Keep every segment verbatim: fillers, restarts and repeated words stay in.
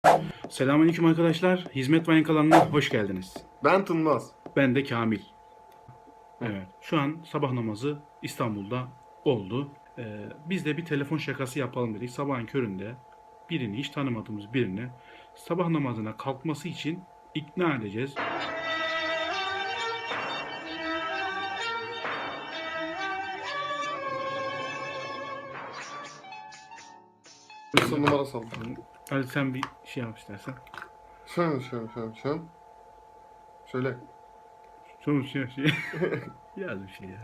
Selamünaleyküm arkadaşlar. Hizmet Vayın kanalına hoş geldiniz. Ben Tınmaz. Ben de Kamil. Evet. Şu an sabah namazı İstanbul'da oldu. Ee, biz de bir telefon şakası yapalım dedik. Sabahın köründe birini, hiç tanımadığımız birini sabah namazına kalkması için ikna edeceğiz. Bir numara saldım. Hadi sen bir şey yap istersen. Şöyle şöyle şöyle şöyle. Şöyle. Sonuç şey şey. Yaz bir şey ya.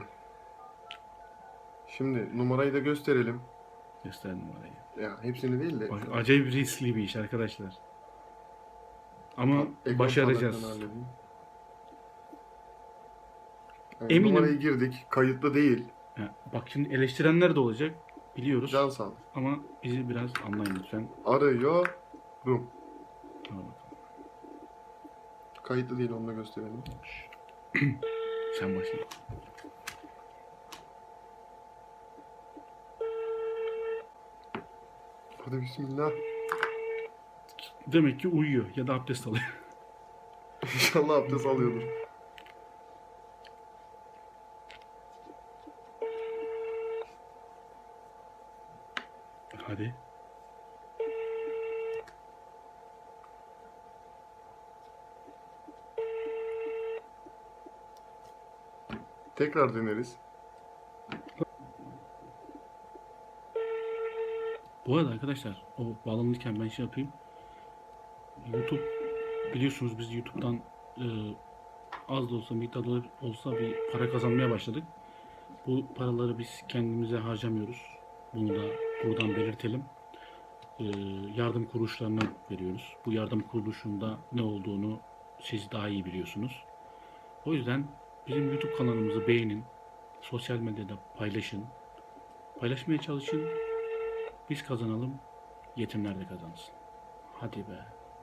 Şimdi numarayı da gösterelim. Göster numarayı. Ya hepsini değil de. Bak, acayip riskli bir iş arkadaşlar. Ama Ekran başaracağız. parlaklığını halledeyim. Evet, Eminim. Numarayı girdik. Kayıtlı değil. Ya, bak şimdi eleştirenler de olacak. Biliyoruz. Can sağlık. Ama bizi biraz anlayın lütfen. Arıyorum. Tamam. Kayıtlı değil, onu da gösterelim. Sen başla. Hadi bismillah. Demek ki uyuyor ya da abdest alıyor. İnşallah abdest alıyordur. Hadi. Tekrar deneriz. Bu arada arkadaşlar o bağlanırken ben şey yapayım. YouTube biliyorsunuz biz YouTube'dan e, az da olsa miktar da olsa bir para kazanmaya başladık. Bu paraları biz kendimize harcamıyoruz. Bunu da buradan belirtelim. E, yardım kuruluşlarına veriyoruz. Bu yardım kuruluşunda ne olduğunu siz daha iyi biliyorsunuz. O yüzden bizim YouTube kanalımızı beğenin. Sosyal medyada paylaşın. Paylaşmaya çalışın. Biz kazanalım. Yetimler de kazansın. Hadi be.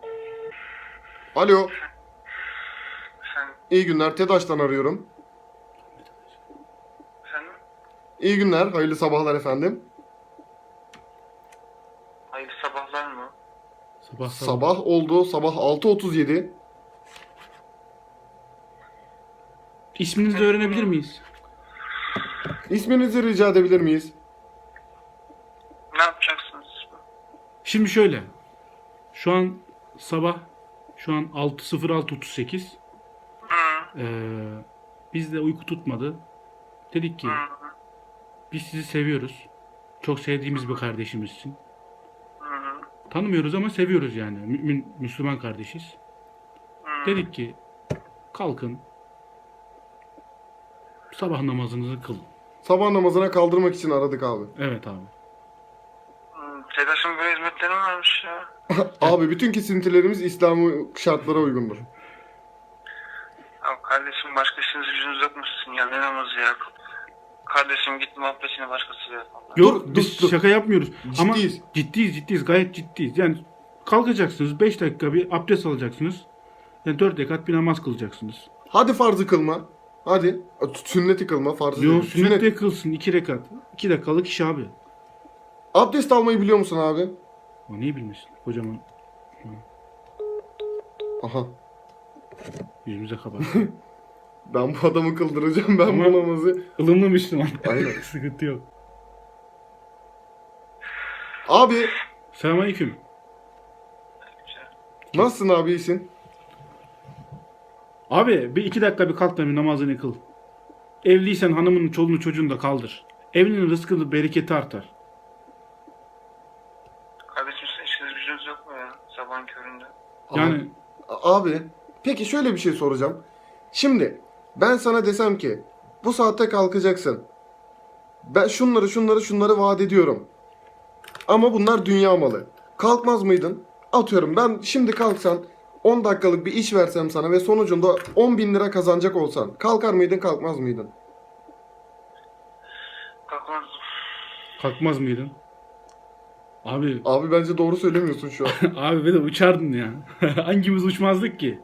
Alo. Sen, İyi günler. TEDAŞ'tan arıyorum. efendim? İyi günler. Hayırlı sabahlar efendim. Hayırlı sabahlar mı? Sabah sabah. Sabah oldu. Sabah altı otuz yedi. İsminizi de öğrenebilir miyiz? İsminizi rica edebilir miyiz? Ne yapacaksınız? Şimdi şöyle. Şu an sabah şu an altı sıfır altı otuz sekiz. Hı, Ee, bizde uyku tutmadı. Dedik ki hı, biz sizi seviyoruz. Çok sevdiğimiz bir kardeşimizsin. hı, Tanımıyoruz ama seviyoruz yani. Mümin, Müslüman kardeşiz. hı. Dedik ki kalkın. Sabah namazınızı kılın. Sabah namazına kaldırmak için aradık abi. Evet abi. Hı, TEDAŞ'ın böyle hizmetleri mi varmış ya? Abi bütün kesintilerimiz İslami şartlara uygundur. Ya kardeşim başka işiniz gücünüz yok mu sizin ya? Ne namazı ya? Kardeşim git muhabbetini başkasıyla yap. Allah. Yok Dur, biz dur, dur. şaka yapmıyoruz. Ama Ciddiyiz. ciddiyiz ciddiyiz gayet ciddiyiz. Yani kalkacaksınız beş dakika bir abdest alacaksınız. Yani dört rekat bir namaz kılacaksınız. Hadi farzı kılma. Hadi. Sünneti kılma, farzı Yok değil. sünnet de kılsın iki rekat. iki dakikalık iş abi. Abdest almayı biliyor musun abi? O niye bilmesin kocaman Aha. yüzümüze kapat. Ben bu adamı kıldıracağım. Ben Ama- bu namazı. Ilımlı Müslüman. Aynen. Sıkıntı yok. Abi Selamünaleyküm. nasılsın abi, iyisin? Abi bir iki dakika bir kalk da bir namazını kıl. Evliysen hanımının çoluğunu çocuğunu da kaldır. Evlinin rızkını bereketi artar. Kardeşim sizin işiniz gücünüz yok mu ya? Sabahın köründe. Yani Abi, abi peki şöyle bir şey soracağım. Şimdi ben sana desem ki bu saatte kalkacaksın. Ben şunları şunları şunları vaat ediyorum. Ama bunlar dünya malı. Kalkmaz mıydın? Atıyorum ben şimdi kalksan on dakikalık bir iş versem sana ve sonucunda on bin lira kazanacak olsan kalkar mıydın, kalkmaz mıydın? Kalkmaz. kalkmaz mıydın? Abi Abi bence doğru söylemiyorsun şu an. abi bir de uçardın ya. Hangimiz uçmazdık ki?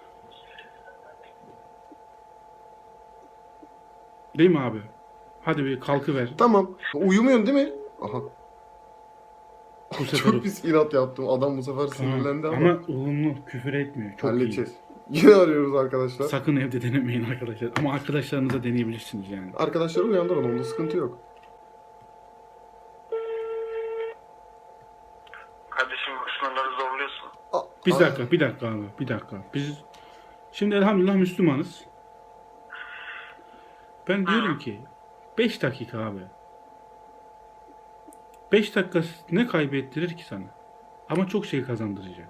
Değil mi abi? Hadi bir kalkıver. Tamam. Uyumuyorsun değil mi? Aha. Bu sefer Çok pis inat yaptım. Adam bu sefer sinirlendi ama, ama ılımlı, küfür etmiyor. Çok halledeceğiz. Yine arıyoruz arkadaşlar. iyi. Sakın evde denemeyin arkadaşlar. Ama arkadaşlarınıza deneyebilirsiniz yani. Arkadaşları uyandırın, onda sıkıntı yok. Kardeşim bu sınırları zorluyorsun. A- Bir a- dakika, bir dakika abi, bir dakika. Biz şimdi elhamdülillah Müslümanız. Ben diyorum ki beş dakika abi. beş dakika ne kaybettirir ki sana? Ama çok şey kazandıracak.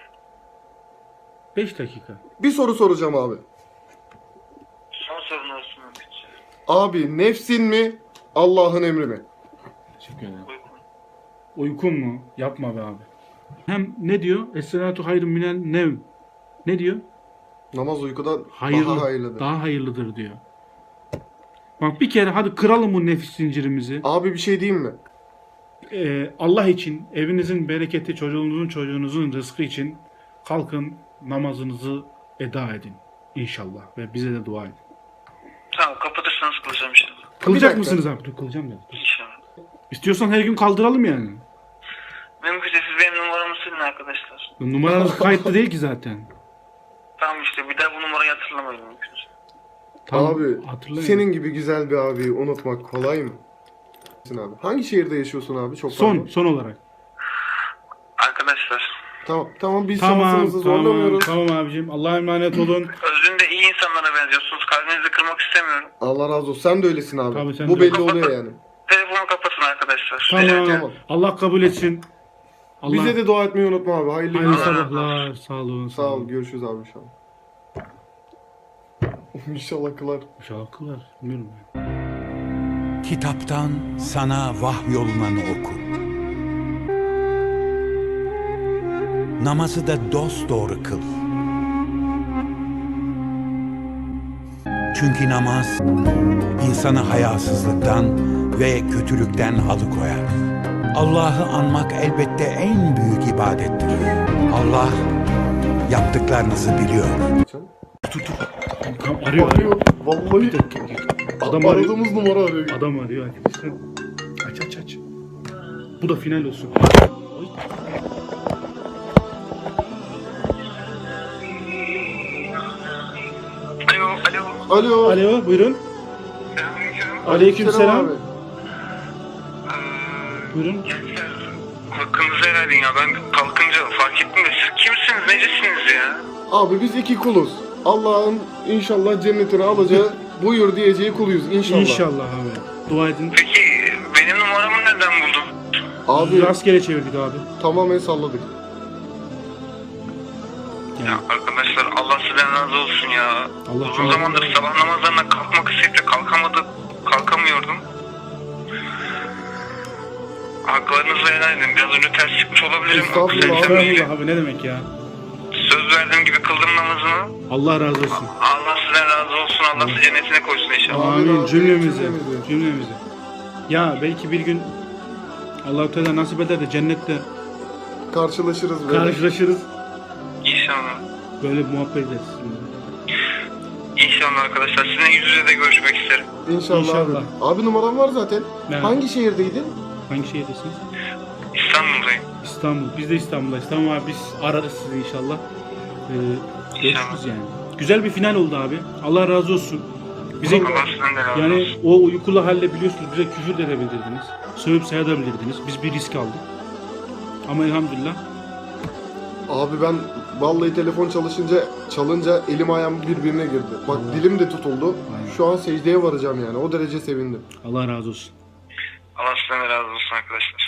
beş dakika. Bir soru soracağım abi. Son sorun olsun Ümit'ciğim. Abi nefsin mi, Allah'ın emri mi? Teşekkür ederim. Uygun. Uykun mu? Yapma be abi. Hem ne diyor? Es-salatu hayrun minel nevm. Ne diyor? Namaz uykudan Hayırlı, daha hayırlıdır. daha hayırlıdır diyor. Bak bir kere hadi kıralım bu nefis zincirimizi. Abi bir şey diyeyim mi? Ee, Allah için, evinizin bereketi, çocuğunuzun çocuğunuzun rızkı için kalkın namazınızı eda edin inşallah ve bize de dua edin. Tamam kapatırsanız kılacağım inşallah. Kılacak dakika. mısınız abi? Dur kılacağım ya. Dur. İnşallah. İstiyorsan her gün kaldıralım yani. Mümkünse siz benim numaramı silin arkadaşlar. Numaranız kayıtlı değil ki zaten. Tamam işte bir daha bu numarayı hatırlamayın mümkünse. Tamam, Abi hatırlayın. senin gibi güzel bir abiyi unutmak kolay mı? Abi. Hangi şehirde yaşıyorsun abi? Çok son pardon. son olarak. Arkadaşlar Tamam tamam biz Tamam, şansımızı tamam, zorlamıyoruz. tamam abicim. Allah'a emanet olun. özünde iyi insanlara benziyorsunuz. Kalbinizi kırmak istemiyorum. Allah razı olsun. Sen de öylesin abi. Tabii, sen Bu de belli öylesin. oluyor yani. Telefonu kapatın arkadaşlar. Tamam. Rica Tamam. Allah kabul etsin. Allah Bize de dua etmeyi unutma abi. Hayırlı hayırlı günler. sabahlar. Sağ olun. Sağ ol. Görüşürüz abi inşallah. İnşallah kılar. İnşallah kılar. Bilmiyorum ben. Kitaptan sana vahyolunanı oku. Namazı da dosdoğru kıl. Çünkü namaz insanı hayasızlıktan ve kötülükten alıkoyar. Allah'ı anmak elbette en büyük ibadettir. Allah yaptıklarınızı biliyor. Tamam, arıyor, arıyor. Arıyor. Vallahi Adam arıyor. aradığımız numara arıyor. Adam arıyor arkadaşlar. Aç aç aç. Bu da final olsun. Alo, alo. Alo. Alo buyurun. Selamünaleyküm. Aleykümselam. abi. Ee, Buyurun. gençler, hakkınızı helal edin ya. Ben kalkınca fark ettim de siz kimsiniz, necesiniz ya? Abi biz iki kuluz. Allah'ın inşallah cennetine alacağı buyur diyeceği kuluyuz inşallah. İnşallah abi. Dua edin. Peki benim numaramı nereden buldun? Abi Rastgele çevirdik abi. tamamen salladık. Ya arkadaşlar Allah sizden razı olsun ya. Allah Uzun razı zamandır olsun. sabah namazlarına kalkmak isteyip de kalkamadım, kalkamıyordum. Haklarınızı helal edin. Biraz önce ters çıkmış olabilirim. Estağfurullah, Kusura abi. bakmayın. Estağfurullah abi ne demek ya. Söz verdiğim gibi kıldım namazımı. Allah razı olsun. Allah sizden razı olsun. Allah sizi cennetine koysun inşallah. Amin, Amin amin. cümlemizi. Cümlemizi. Cümlemizi. Ya belki bir gün Allah-u Teala nasip eder de cennette Karşılaşırız böyle. karşılaşırız. İnşallah. Böyle muhabbet ederiz. İnşallah arkadaşlar. Sizinle yüz yüze de görüşmek isterim. İnşallah, İnşallah. abi. Abi numaram var zaten. Evet. Hangi şehirdeydin? Hangi şehirdesiniz? İstanbul'dayım. İstanbul. Biz de İstanbul'dayız. Tamam abi biz ararız sizi inşallah. Ee, görüşürüz yani. Güzel bir final oldu abi. Allah razı olsun. Bize Allah sizden de razı yani olsun. o uykulu halle biliyorsunuz bize küfür de edebilirdiniz. Sövüp sayabilirdiniz. Biz bir risk aldık. Ama elhamdülillah. Abi ben vallahi telefon çalışınca çalınca elim ayağım birbirine girdi. Bak Allah. dilim de tutuldu. Aynen. Şu an secdeye varacağım yani. O derece sevindim. Allah razı olsun. Allah sizden de razı olsun arkadaşlar.